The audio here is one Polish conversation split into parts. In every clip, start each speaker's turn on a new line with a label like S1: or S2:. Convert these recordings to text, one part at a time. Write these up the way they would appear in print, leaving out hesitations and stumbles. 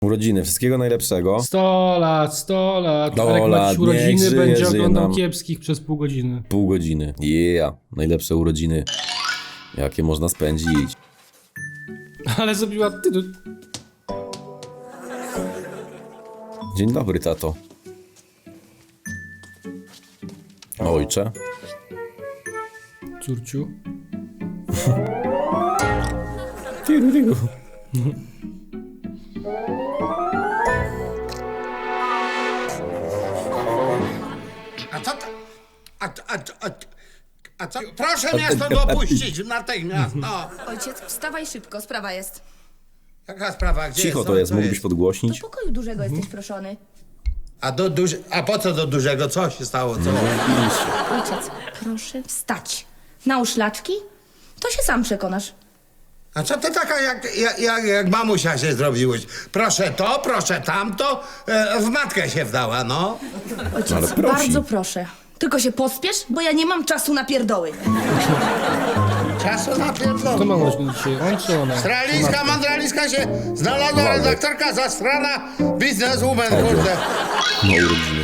S1: Urodziny, wszystkiego najlepszego.
S2: 100 lat, 100 lat.
S1: 100
S2: Arek
S1: lat,
S2: ma urodziny,
S1: niech żyje,
S2: będzie
S1: żyje
S2: oglądał
S1: nam.
S2: kiepskich przez pół godziny.
S1: Pół godziny. Yeah, najlepsze urodziny, jakie można spędzić.
S2: Ale zrobiła ty.
S1: Dzień dobry, tato. Ojcze.
S2: Córciu.
S1: Tiru, tiru.
S3: A co to? A co? Proszę mnie stąd opuścić natychmiast, no.
S4: Ojciec, wstawaj szybko, sprawa jest.
S3: Jaka sprawa, gdzie
S1: Cicho
S3: jest?
S1: to
S3: No,
S1: jest,
S3: co
S1: mógłbyś
S4: Do
S1: podgłośnić?
S4: pokoju dużego jesteś proszony.
S3: A po co do dużego? Co się stało? Co?
S4: Ojciec, proszę wstać. Nałóż laczki, to się sam przekonasz.
S3: A co ty taka jak mamusia się zrobiłeś? Proszę to, proszę tamto, w matkę się wdała, no.
S4: Ojciec,
S1: Ale prosi.
S4: bardzo proszę. Tylko się pospiesz, bo ja nie mam czasu na pierdoły.
S3: Czasu na
S2: Kto
S3: pierdolę.
S2: ma urodziny dzisiaj? On czy ona?
S3: Straliska, mandraliska się znalazła,
S1: Waldek.
S3: redaktorka zastrana, bizneswoman, kurde.
S1: No urodziny.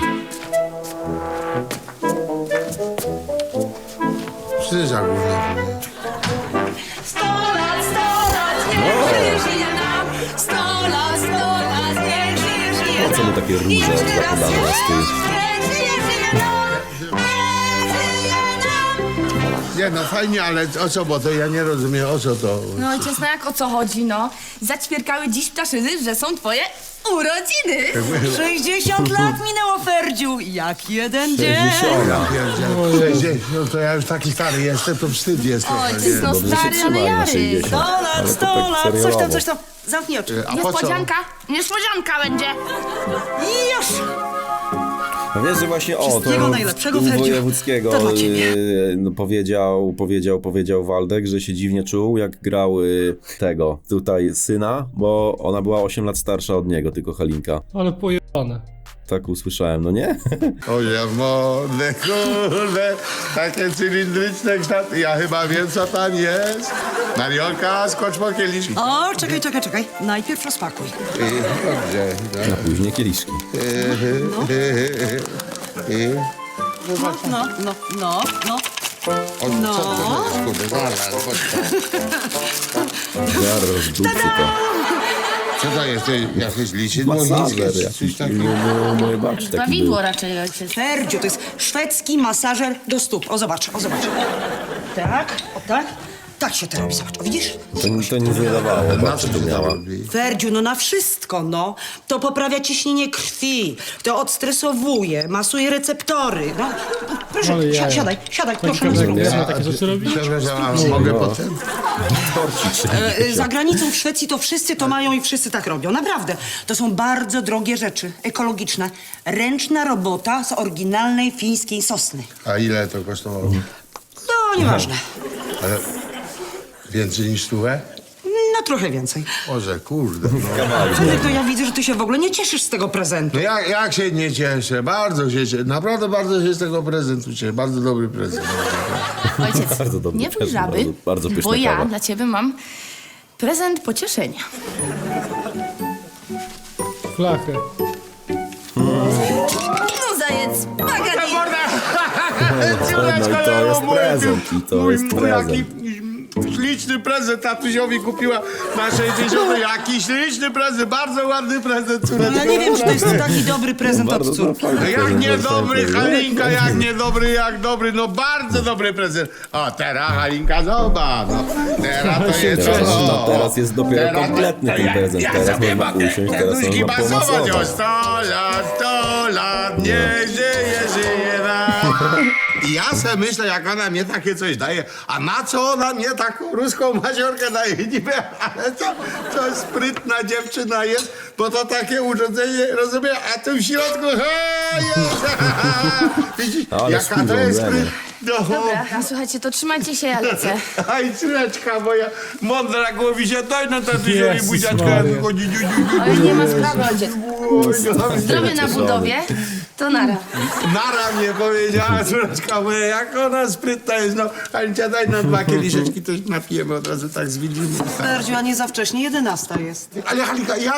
S3: Krzyża głównie.
S4: 100 lat, niech żyje, żyje nam. 100 lat, niech żyje, żyje
S1: Po co mu takie róże zakładane na styl?
S4: Niech żyje, żyje nam. Niech żyje nam.
S3: Nie no, fajnie, ale o co, bo to ja nie rozumiem, o co to?
S4: No ojciec, no jak o co chodzi, no? Zaćwierkały dziś ptaszyny, że są twoje urodziny.
S5: 60 lat minęło, Ferdziu. Jak jeden dzień.
S3: 60, no to ja już taki stary jestem, to wstyd jest.
S4: Ojciec, no
S1: Dobrze się
S4: stary, ale
S1: trzymaj na
S4: jary.
S1: 60.
S5: 100 lat,
S1: Ale to
S5: 100
S1: tak
S5: lat,
S1: seriowo.
S5: coś tam. Zamknij oczy.
S3: A po co?
S4: Niespodzianka, niespodzianka będzie.
S5: I już.
S1: No wiesz, że właśnie o, to
S5: Wszystkiego najlepszego,
S1: u
S5: Ferdziu.
S1: Wojewódzkiego
S5: To dla ciebie.
S1: no, powiedział Waldek, że się dziwnie czuł, jak grał tego tutaj syna, bo ona była 8 lat starsza od niego, tylko Halinka.
S2: Ale pojebane.
S1: Tak usłyszałem, no nie?
S3: Oje, młode, kurde, takie cylindryczne kształty. Ja chyba wiem, co tam jest. Mariolka, skocz po kieliszki.
S5: O, czekaj. Najpierw rozpakuj.
S3: Dobrze,
S1: Na później kieliszki.
S5: No.
S3: O, co to jest, kurde, zaraz,
S1: Zaraz dupcy to.
S3: co to jest, jakieś liczidło
S1: Masażer
S3: niskie,
S1: jakiś.
S3: coś takiego?
S1: Moje babci taki był.
S4: Prawidło raczej, ojciec.
S5: Ferdziu, to jest szwedzki masażer do stóp. O, zobacz. Tak, o tak. Tak się to robi, zobacz. O, widzisz?
S1: To nic nie dawało,
S3: Na
S1: babcia
S3: co
S1: to
S3: ty
S1: miała.
S3: tam robi?
S5: Ferdziu, no na wszystko, no. To poprawia ciśnienie krwi, to odstresowuje, masuje receptory, no. Proszę,
S2: Ale jaja.
S5: siadaj, proszę na
S2: kawałek
S5: zdrowie.
S2: mięsa. Takie rzeczy robić?
S3: Przepraszam, a mogę potem?
S5: Za granicą w Szwecji to wszyscy to mają i wszyscy tak robią. Naprawdę. To są bardzo drogie rzeczy, ekologiczne. Ręczna robota z oryginalnej fińskiej sosny.
S3: A ile to kosztowało?
S5: No, nieważne.
S3: Ale więcej niż stówę?
S5: No, trochę więcej.
S3: Boże, kurde, no.
S5: Fredek, to ja widzę, że ty się w ogóle nie cieszysz z tego prezentu.
S3: No jak się nie cieszę, bardzo się cieszę, naprawdę bardzo się z tego prezentu cieszę, bardzo dobry prezent.
S4: Ojciec,
S1: Bardzo dobry
S4: nie bój
S1: prezent,
S4: żaby,
S1: bardzo- bardzo pyszna
S4: bo ja
S1: kawa.
S4: dla ciebie mam prezent pocieszenia.
S2: Flachę.
S4: No zajec, bagani.
S1: No i to jest prezent, i to jest prezent.
S3: Śliczny prezent tatusiowi kupiła na 60. Jaki śliczny prezent, bardzo ładny prezent, córeczko.
S5: No, ja nie wiem, czy to jest taki dobry prezent
S1: Bardzo
S5: od córki.
S1: fajny
S3: No jak
S1: prezent,
S3: niedobry,
S1: bardzo
S3: Halinka, jak dobry, no bardzo dobry prezent. O, teraz Halinka, zobacz, no. Teraz to jest,
S1: Teraz,
S3: o,
S1: no, teraz jest dopiero
S3: teraz to-
S1: kompletny ten prezent.
S3: Ja
S1: Teraz
S3: sobie
S1: można
S3: mogę
S1: usiąść, teraz
S3: serduszki
S1: można
S3: masować. O,
S1: pomasować.
S3: 100 lat, niech żyje nam. I ja se myślę, jak ona mnie takie coś daje, a na co ona mnie taką ruską maziorkę daje? Niby, ale to sprytna dziewczyna jest, bo to takie urządzenie, rozumiem, a tu w środku, jest, widzisz,
S1: Ale
S3: jaka to
S1: spirą,
S3: jest
S1: Lena.
S3: sprytna. No,
S4: Dobra, słuchajcie, to trzymajcie się, ja lecę.
S3: aj, córeczka moja, mądra głowi się, daj na tatusiowi
S2: Jezus
S3: buziaczka,
S2: Maria.
S3: chodzi,
S4: Oj, nie ma sprawy, ojciec. Zdrowie na
S1: Cieszony.
S4: budowie, to nara.
S3: Nara mnie powiedziała córeczka moja, jak ona sprytna jest, no, Hańcia, daj nam 2 kieliszeczki, to się napijemy od razu tak z widzimy.
S5: Ferdziu, a nie za wcześnie, 11 jest.
S3: Ale Halinka, jak za wcześnie?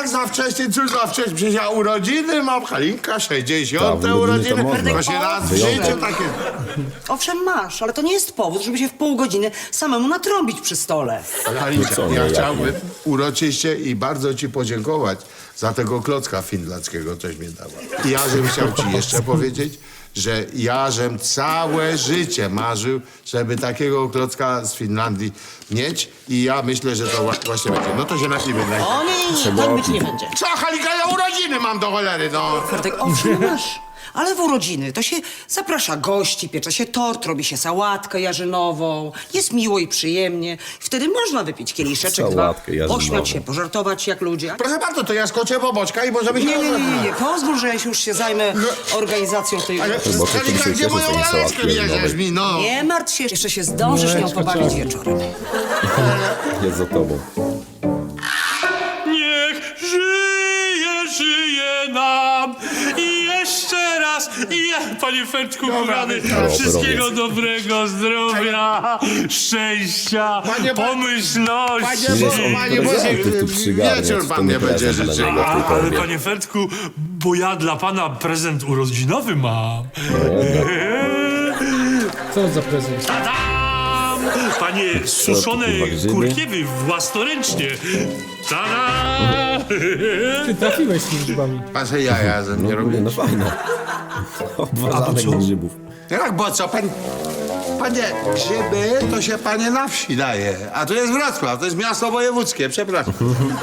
S3: właśnie, cóż za wcześniej, przecież ja urodziny mam, Halinka, 60.
S1: Tak, urodziny to
S3: urodziny.
S1: można.
S3: Właśnie raz w
S1: Wyjątek.
S3: życiu takie.
S5: Owszem, masz, ale to nie jest powód, żeby się w pół godziny samemu natrąbić przy stole.
S3: Halinka,
S1: co, no
S3: ja
S1: jak
S3: chciałbym uroczyście i bardzo ci podziękować za tego klocka finlandzkiego, coś mi dała. I ja żem chciał ci jeszcze powiedzieć, że ja żem całe życie marzył, żeby takiego klocka z Finlandii mieć i ja myślę, że to właśnie będzie. No to się napijmy.
S5: O nie, tak być nie będzie.
S3: Co, Halika, ja urodziny mam do cholery, no.
S5: Ferdek, owszem, masz. Ale w urodziny to się zaprasza gości, piecze się tort, robi się sałatkę jarzynową, jest miło i przyjemnie. Wtedy można wypić kieliszeczek,
S1: Sałatkę
S5: dwa,
S1: jarzynową.
S5: pośmiać się, pożartować jak ludzie.
S3: Proszę bardzo, to ja skoczę po boczka i możemy się...
S5: Nie, pozwól, że ja się już się zajmę organizacją tej...
S3: Ale
S1: Bo to
S3: Halika,
S1: się
S3: gdzie
S1: cieszę
S3: moją
S1: z tej
S3: laleczkę
S1: sałatki
S3: bierzesz
S1: jarzynowej.
S3: mi, no?
S5: Nie martw się, jeszcze się zdążysz nią
S2: Mleczko
S5: pobawić
S2: trzeba.
S5: wieczorem.
S1: Jest za tobą.
S6: Niech żyje nam i jeszcze raz, panie Ferdku, kochany, wszystkiego dobrego, zdrowia, szczęścia,
S3: Panie Bo-
S6: pomyślności.
S3: Panie Boże,
S1: Prezenty tu przygarniać,
S3: wieczór
S1: to
S3: pan
S1: nie
S3: mnie będzie
S1: prezent dla
S3: życzył.
S1: niego,
S6: Ale
S1: tylko
S6: panie Ferdku, bo ja dla pana prezent urodzinowy mam.
S2: Co za prezent?
S6: Tadam! Panie, suszone
S1: kurwa, grzyby?
S6: kurkiewy własnoręcznie. Tada!
S2: Ty trafiłeś z tymi grzybami.
S3: Patrzę, ja ze mnie robię.
S1: No fajne. Obwarzanek
S6: co?
S1: grzybów.
S3: Jak, bo co, panie, grzyby to się panie na wsi daje, a to jest Wrocław, to jest miasto wojewódzkie, przepraszam.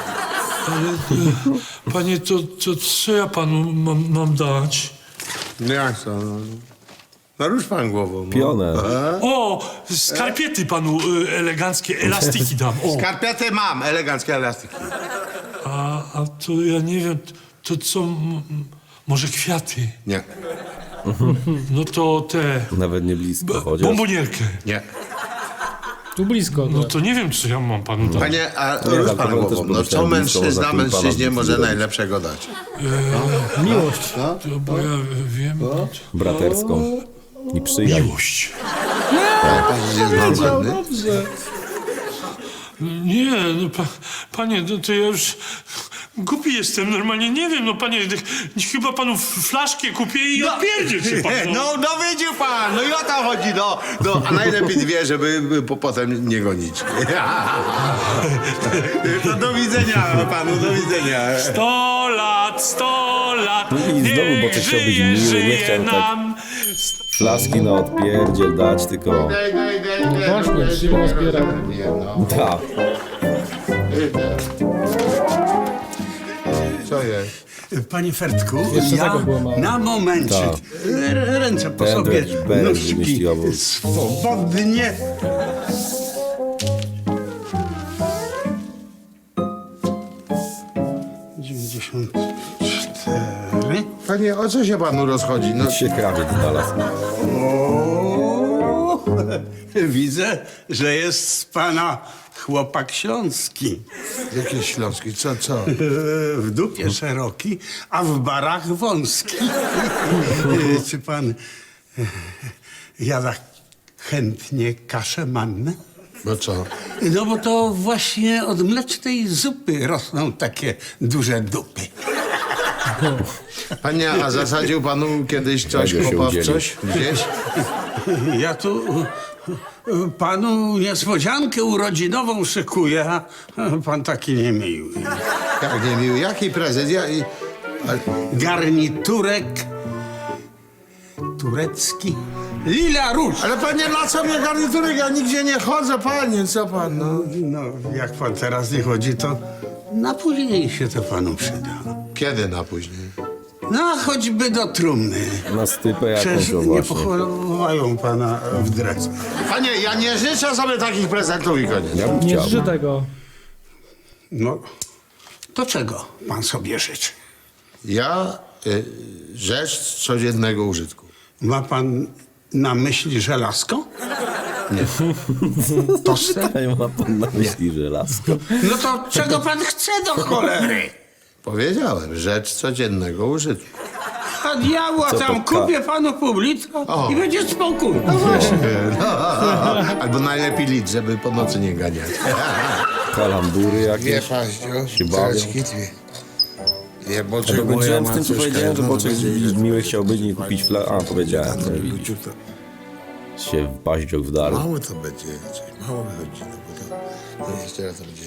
S6: Panie, to co ja panu mam dać?
S3: No jak to? No rusz pan głową. No.
S1: Pionę.
S6: O, skarpiety panu eleganckie, elastiki dam. O.
S3: Skarpety mam, eleganckie elastyki.
S6: A to ja nie wiem, to co, może kwiaty?
S3: Nie,
S6: No to te,
S1: Nawet nie blisko, chociaż.
S6: bombonierkę.
S3: nie.
S2: Tu blisko.
S6: No to nie wiem, co ja mam panu dać.
S3: Panie, a
S1: Nie,
S3: rusz
S1: tak,
S3: pan
S1: to
S3: głową,
S1: też
S3: no co
S1: pomyślałem, blisko
S3: mężczyzna
S1: można tu pana
S3: mężczyźnie może
S1: zrobić.
S3: najlepszego dać?
S2: Miłość.
S6: To, bo ja wiem,
S1: Braterską. I przyjaźń.
S6: miłość.
S3: Pan jest normalny?
S2: Dobrze.
S6: Nie, no panie, to ja już głupi jestem, normalnie nie wiem, no panie, chyba panu flaszkę kupię i odpierdzie się pan.
S3: No widział pan, no i o to chodzi, no, a najlepiej dwie, żeby potem nie gonić. To do widzenia panu, do widzenia.
S6: 100 lat, 100 lat,
S1: No i znowu, bo
S6: niech
S1: to chciał być
S6: żyje,
S1: miły, nie
S6: żyje
S1: chciał tak.
S6: nam.
S1: Flaszki na odpierdziel dać, tylko...
S2: Właśnie, przyjmą zbiera.
S1: Tak.
S3: Co jest?
S7: Panie Fertku,
S2: Jeszcze
S7: ja
S2: tego było mało.
S7: na momencik.
S1: Tak.
S7: Ręce po
S1: Ten
S7: sobie,
S1: jakiś beret
S7: nóżki
S1: wymyśliła, bo-
S7: swobodnie. ...94...
S3: Panie, o co się panu rozchodzi? No,
S1: Się krawiec znalazł.
S7: O, widzę, że jest z pana chłopak śląski.
S3: jakie śląski, co?
S7: W dupie szeroki, a w barach wąski. Czy pan jada chętnie kaszę mannę?
S3: Bo co?
S7: No bo to właśnie od mlecznej zupy rosną takie duże dupy.
S3: Panie, a zasadził panu kiedyś coś,
S1: Tego się
S3: chłopa w
S1: udzielił.
S3: coś? Gdzieś?
S7: Ja tu panu niespodziankę urodzinową szykuję, a pan taki niemiły.
S3: Jak nie miły, jaki prezent?
S7: Garniturek turecki, lila róż.
S3: Ale panie, na co mnie garniturek? Ja nigdzie nie chodzę, panie, co pan, no?
S7: No, jak pan teraz nie chodzi, to na później się to panu przyda.
S3: Kiedy na później?
S7: No, choćby do trumny.
S1: Na stypę jakąś,
S7: Przecież
S1: o
S7: nie
S1: właśnie.
S7: pochowają pana w dresach.
S3: Panie, ja nie życzę sobie takich prezentów i koniec.
S1: Ja bym
S2: Nie
S1: chciał.
S2: żrzy tego.
S7: No, to czego pan sobie życzy?
S3: Ja rzecz codziennego użytku.
S7: Ma pan na myśli żelazko? Toster?
S1: Ja ma pan na myśli żelazko.
S7: No to czego pan chce do cholery?
S3: Powiedziałem, rzecz codziennego użytku.
S7: A diabła
S1: Co
S7: tam
S1: to
S7: kupię panu pół litra
S3: O.
S7: i będzie spokój.
S3: Albo najlepiej litr, żeby po nocy nie ganiać.
S1: Kalambury
S3: Dwie
S1: jakieś.
S3: paździo,
S1: Się bawią.
S3: dwie. Nie
S1: Ja
S3: potrzebuję
S1: dokończyłem z tym, co
S3: macoszka,
S1: powiedziałem, że
S3: no,
S1: Boczek
S3: będzie-
S1: miły chciał być i kupić A, powiedziałem, no i widzisz. Się w paździok wdarł.
S3: Mało to będzie, coś mało wychodzi, no bo to jeszcze raz to będzie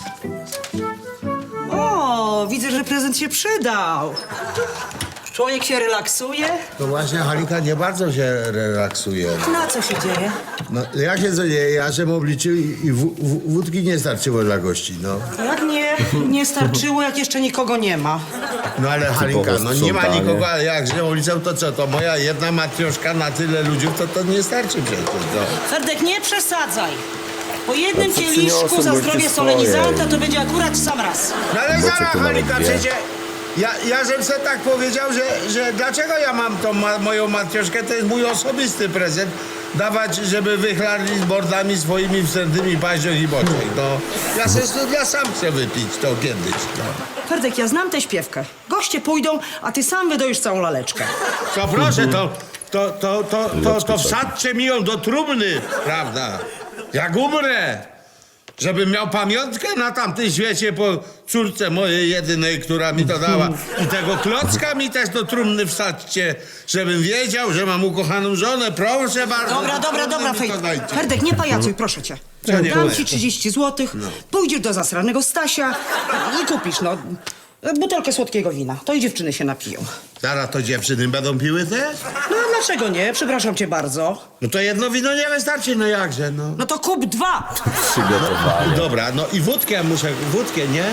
S5: O, widzę, że prezent się przydał. Człowiek się relaksuje.
S3: No właśnie, Halinka nie bardzo się relaksuje.
S5: Na co się dzieje?
S3: No, jak się co dzieje? Ja żem obliczył i wódki nie starczyło dla gości, no.
S5: Jak nie starczyło, jak jeszcze nikogo nie ma.
S3: No ale Halinka, no nie ma
S1: sprzątanie.
S3: nikogo, ale jak żem obliczył, to co? To moja jedna matrioszka na tyle ludzi, to nie starczy przecież, no.
S5: Ferdek, nie przesadzaj. Po jednym
S1: No to
S5: kieliszku
S1: przyniosłem
S5: za
S1: goście
S5: zdrowie
S1: swoje.
S5: solenizanta to będzie akurat sam raz.
S3: No ale
S1: Boczek
S3: zaraz,
S1: to nawet
S3: Halinka,
S1: wie.
S3: przecież ja żem se tak powiedział, że dlaczego ja mam tą moją matrioszkę, to jest mój osobisty prezent, dawać, żeby wychlarli z bordami swoimi wstępnymi paździoch i boczek, no. Ja se to ja sam chcę wypić to kiedyś, no.
S5: Ferdek, ja znam tę śpiewkę. Goście pójdą, a ty sam wydajesz całą laleczkę.
S3: To proszę, to wsadźcie mi ją do trumny, prawda? Jak umrę, żebym miał pamiątkę na tamtym świecie po córce mojej jedynej, która mi to dała. I tego klocka mi też do trumny wsadźcie, żebym wiedział, że mam ukochaną żonę. Proszę bardzo.
S5: Dobra,
S3: mi to dajcie.
S5: Ferdek, nie pajacuj, proszę cię.
S3: Co nie
S5: Dam
S3: pajacuj?
S5: ci 30 zł, pójdziesz do zasranego Stasia i kupisz, no, butelkę słodkiego wina. To i dziewczyny się napiją.
S3: Zaraz to dziewczyny będą piły też?
S5: No, dlaczego nie? Przepraszam cię bardzo.
S3: No to jedno wino nie wystarczy, no jakże, no.
S5: No to kup 2.
S1: Przygotowanie.
S3: Dobra, no i wódkę muszę, wódkę, nie?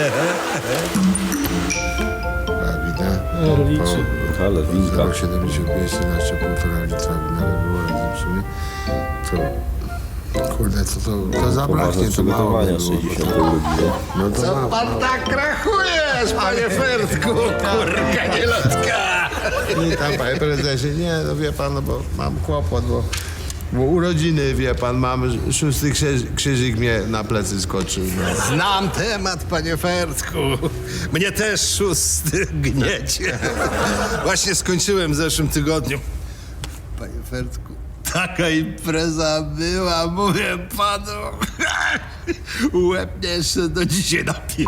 S3: Prawda?
S2: Liczy.
S1: Ale winka.
S3: 0,75, 11,5 litra wina było razem w sumie. To, kurde, to zabraknie,
S1: Poważne
S3: to mało
S1: przygotowania
S3: by było.
S1: 60 godziny.
S3: No to mało.
S8: Pan tak krachujesz, panie Fertku, kurka nielotka.
S3: Nie, tam, panie prezesie, nie, no wie pan, no bo mam kłopot, bo urodziny, wie pan, mam 6. krzyżyk mnie na plecy skoczył, no.
S8: Znam temat, panie Fertku. Mnie też 6 gniecie. Właśnie skończyłem w zeszłym tygodniu. Panie Fertku, taka impreza była, mówię panu. Łeb mnie jeszcze do dzisiaj napie...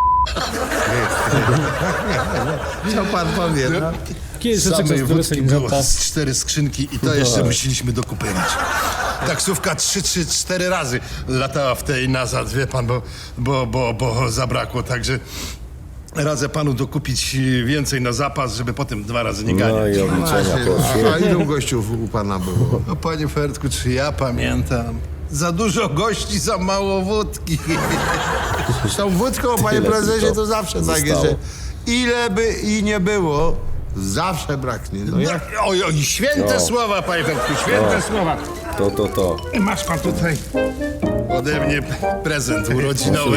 S3: Co pan powie, no?
S2: Kiedy się czeka
S8: Samej
S2: z
S8: wódki
S2: weselizanta?
S8: było z 4 skrzynki i to jeszcze musieliśmy dokupić. Taksówka 3-4 razy latała w tej nazad, wie pan, bo zabrakło, także radzę panu dokupić więcej na zapas, żeby potem 2 razy nie
S1: No
S8: ganiać.
S1: i obliczenia poszły.
S3: A ilu gościów u pana było?
S8: No panie Fertku, czy ja pamiętam? Za dużo gości, za mało wódki.
S3: Z tą wódką, panie
S1: Tyle
S3: prezesie,
S1: tylko
S3: to zawsze takie,
S1: zostało.
S3: że ile by i nie było, zawsze braknie. No jak?
S8: Oj, święte słowa, panie Fertku, święte słowa.
S1: To.
S8: Masz pan tutaj ode mnie prezent urodzinowy.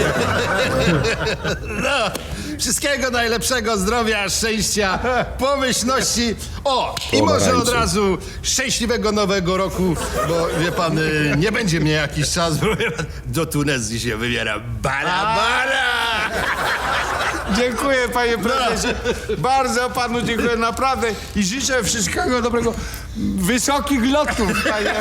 S8: No, wszystkiego najlepszego, zdrowia, szczęścia, pomyślności. O, i może
S1: Pomarańczy.
S8: od razu szczęśliwego nowego roku, bo wie pan, nie będzie mnie jakiś czas, bo wie pan, do Tunezji się wybiera. Bara!
S3: Dziękuję, panie prezesie. Bardzo panu dziękuję, naprawdę. I życzę wszystkiego dobrego. Wysokich lotów, panie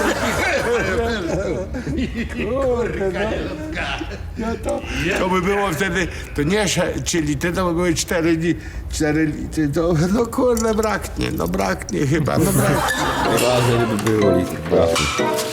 S3: To by było wtedy, to nie, czyli to by były 4 dni, 4 litry, to no kurde, braknie chyba, no braknie.
S1: Ważne, żeby było litr braku.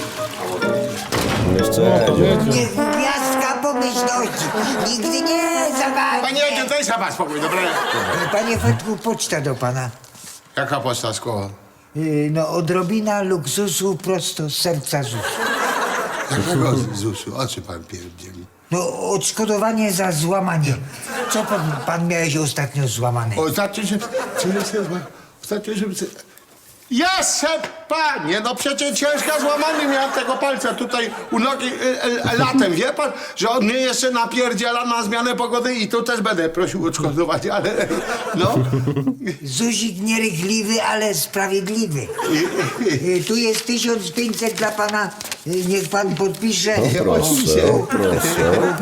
S1: No jeszcze
S2: Powiedział.
S9: Gwiazdka pomyślności. Nigdy nie zawali.
S3: Panie Jedzie, daj sobie spokój, dobra?
S9: Panie Fertku, poczta do pana.
S3: Jaka poczta z koła?
S9: No, odrobina luksusu prosto z serca ZUS.
S3: Jakiego ZUS-u? O czym pan pierdzieli?
S9: No, odszkodowanie za złamanie. Co pan miałeś ostatnio złamane?
S3: Ostatnio się... Ostatnio się... Jasne, panie, no przecież ciężka złamany miałem tego palca tutaj u nogi latem, wie pan, że on mnie jeszcze napierdziela na zmianę pogody i tu też będę prosił o odszkodowanie, ale no.
S9: Zuzik nierychliwy, ale sprawiedliwy. Tu jest 1500 dla pana. Niech pan podpisze.
S1: proszę.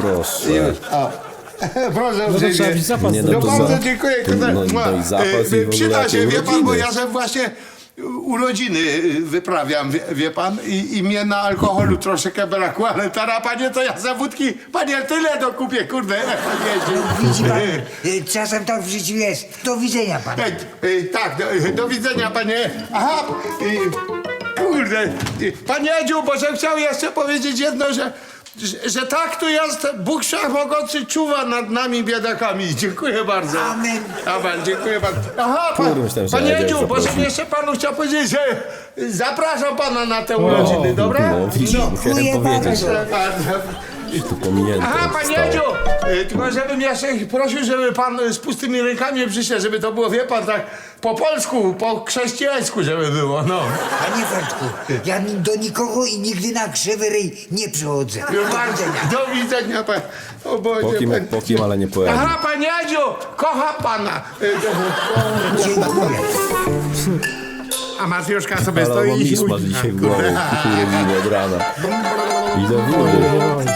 S3: Proszę
S2: No to trzeba mieć zapas.
S1: Nie,
S3: No
S1: to
S3: bardzo
S1: za-
S3: dziękuję.
S1: no i zapas i w ogóle
S3: Przyda się,
S1: jakie
S3: wie pan, bo
S1: urodziny.
S3: ja że właśnie urodziny wyprawiam, wie pan, i mnie na alkoholu troszeczkę brakło, ale teraz, panie, to ja za wódki, panie, tyle dokupię, kurde.
S9: Widzi pan, czasem tak w życiu jest. Do widzenia pan.
S3: Tak, do widzenia, panie. Aha, kurde, panie Edziu, bo że chciał jeszcze powiedzieć jedno, że tak tu jest, Bóg Wszechmogący czuwa nad nami biedakami. Dziękuję bardzo.
S9: Amen.
S3: Amen, dziękuję bardzo. Aha,
S1: Kurde, myślałem, że
S3: panie
S1: Edzia
S3: Edziu, bo
S1: zaprosi.
S3: żebym jeszcze panu chciał powiedzieć, że zapraszam pana na te urodziny, dobra?
S1: No, widzisz, musiałem
S9: Dziękuję
S1: powiedzieć. Tu pominięte.
S3: Aha, panie
S1: zostało.
S3: Edziu, tylko żebym jeszcze prosił, żeby pan z pustymi rękami przyszedł, żeby to było, wie pan, tak po polsku, po chrześcijańsku, żeby było, no.
S9: Panie Fertku, ja do nikogo i nigdy na krzywy ryj nie przychodzę.
S3: Do widzenia, pan. O Boże,
S1: Po kim, ale nie po Edziu.
S3: Aha, panie Edziu, kocha pana.
S9: Dziękuję.
S3: A Mateuszka sobie
S1: Ale
S3: stoi
S1: mam
S3: i
S1: mis masz dzisiaj w głowie. Kurde, widzę od rana. Ile wody.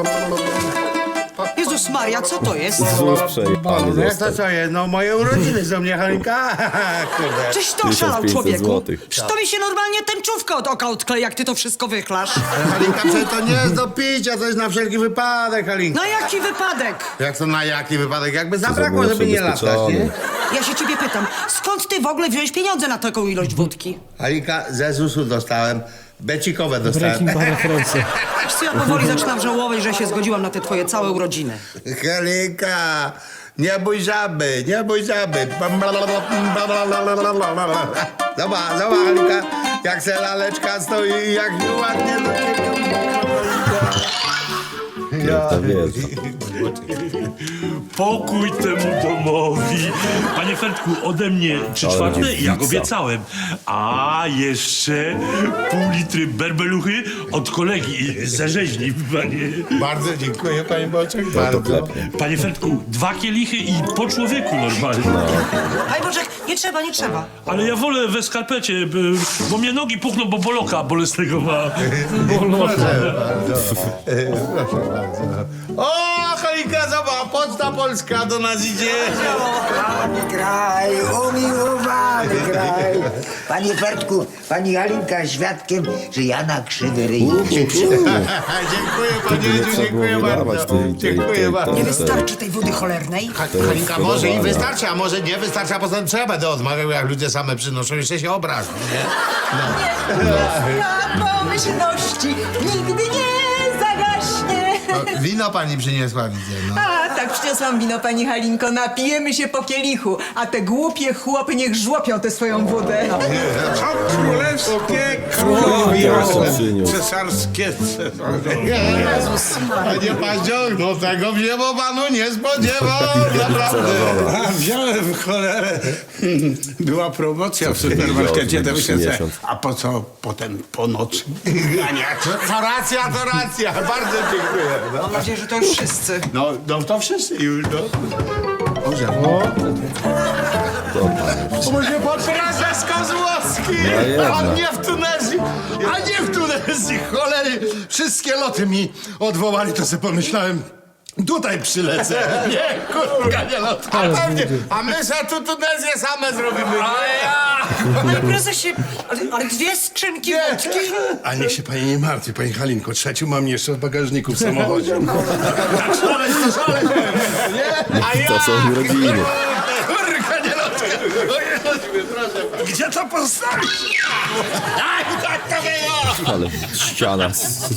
S5: Jezus Maria, co to jest?
S1: Zus przejebany
S3: Jak to
S1: został.
S3: co jest? No moje urodziny są, nie Halinka? Kurde.
S5: Czyś to oszalał,
S1: 1500
S5: człowieku?
S1: złotych.
S5: Przecież to mi się normalnie tęczówka od oka odkleja, jak ty to wszystko wychlasz.
S3: Halinka, przecież to nie jest do picia, to jest na wszelki wypadek, Halinka.
S5: Na jaki wypadek?
S3: Jak to na jaki wypadek? Jakby
S1: To
S3: zabrakło,
S1: było
S3: żeby nie latać,
S1: ubezpieczone.
S3: nie?
S5: Ja się ciebie pytam, skąd ty w ogóle wziąłeś pieniądze na taką ilość wódki?
S3: Halinka, ze ZUS-u dostałem, becikowe dostałem.
S2: Breaking Bad referencje.
S5: Wiesz co, ja powoli zaczynam żałować, że się zgodziłam na te twoje całe urodziny.
S3: Halinka, nie bój żaby, nie bój żaby. Zobacz, Halinka, jak se laleczka stoi, jak ładnie.
S1: Wielka, wielka.
S6: Pokój temu domowi. Panie Fertku, ode mnie 3/4,
S1: będzie
S6: jak
S1: pizza.
S6: obiecałem. A jeszcze pół litry berbeluchy od kolegi ze rzeźni, panie.
S3: Bardzo dziękuję, panie Boczek,
S1: No to
S3: bardzo.
S1: klepnie.
S6: Panie Fertku, 2 kielichy i po człowieku normalnie.
S5: Aj Bożek, nie trzeba, nie trzeba.
S6: Ale ja wolę we skarpecie, bo mnie nogi puchną, bo boloka bolesnego ma.
S3: Proszę bardzo. O, Halinka, zobacz, Poczta Polska do nas idzie.
S9: Kraj, umiłowany kraj. Panie Fertku, pani Halinka świadkiem, że ja na krzywy ryj się przyjąłem.
S3: Dziękuję, panie
S1: Wtedy nie
S3: Edziu,
S1: trzeba było
S3: dziękuję
S1: wydawać
S3: bardzo.
S1: tej-
S3: Dziękuję bardzo.
S5: Nie wystarczy tej wody cholernej?
S3: Halinka, może i
S1: podoba,
S3: wystarczy, a może nie wystarczy, a potem trzeba będę odmawiał, jak ludzie same przynoszą, jeszcze się obrażą, nie?
S10: Pomyślności nigdy nie zagaśnie.
S3: Wino pani przyniosła, widzę, no.
S10: A, tak, przyniosłam wino, pani Halinko. Napijemy się po kielichu, a te głupie chłopy niech żłopią tę swoją wodę.
S8: Królewskie,
S1: Proszę, przyniósł.
S8: cesarskie.
S3: Panie Paździoch, no tego się po panu nie spodziewał, naprawdę.
S8: A, wziąłem cholerę. Była promocja w supermarkecie, to myślę, że,
S1: 50.
S8: a po co potem po nocy?
S3: To racja, bardzo dziękuję. No,
S5: Mam nadzieję, że to już wszyscy.
S3: no to wszyscy już, no. Może pan prezes Kozłowski,
S1: jednak.
S3: a nie w Tunezji, cholery, wszystkie loty mi odwołali, to sobie pomyślałem, tutaj przylecę. Nie, kurwa, nie lot. A my se tu Tunezję same zrobimy.
S5: Panie prezesie, ale 2 skrzynki wódki?
S8: A niech się pani nie martwi, pani Halinko. Trzecią mam jeszcze w bagażniku w samochodzie.
S3: A ja,
S1: To są urodziny.
S3: kurwa, nie loty. Gdzie to postawić? Aj, tak to było.
S1: Ale ściana z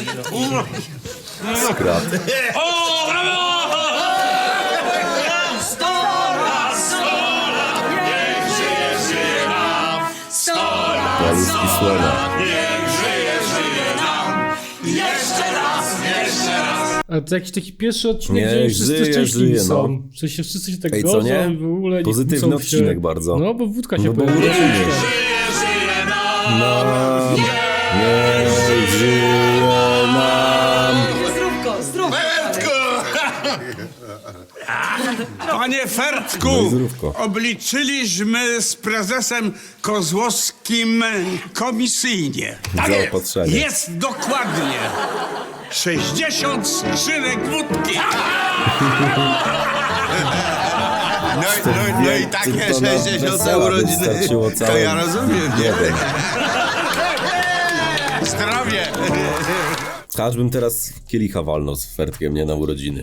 S1: krat.
S6: O, brawo!
S1: Paluszki słone.
S2: Ale to jakiś taki pierwszy odcinek,
S1: Nie,
S2: gdzie już wszyscy
S1: żyje,
S2: szczęśliwi
S1: żyje,
S2: są.
S1: no.
S2: W sensie wszyscy się tak
S1: Ej, co
S2: godzą
S1: nie?
S2: i w ogóle nie
S1: Pozytywny
S2: kłócą się.
S1: odcinek bardzo.
S2: No, bo wódka się
S1: No bo
S2: pojawiła.
S1: urodziny. Nie żyje nam.
S10: Zdrówko.
S7: Panie Fertku,
S1: No i zdrówko.
S7: obliczyliśmy z prezesem Kozłowskim komisyjnie.
S1: Zaopatrzenie.
S7: Jest dokładnie 60 skrzynek wódki.
S3: No i takie
S1: to na
S3: 60
S1: wesela by
S3: urodziny.
S1: starczyło
S3: To
S1: całe-
S3: ja rozumiem, nie?
S1: Nie wiem.
S3: Zdrowie!
S1: Aż bym teraz kielicha walnął z Fertkiem, nie na urodziny.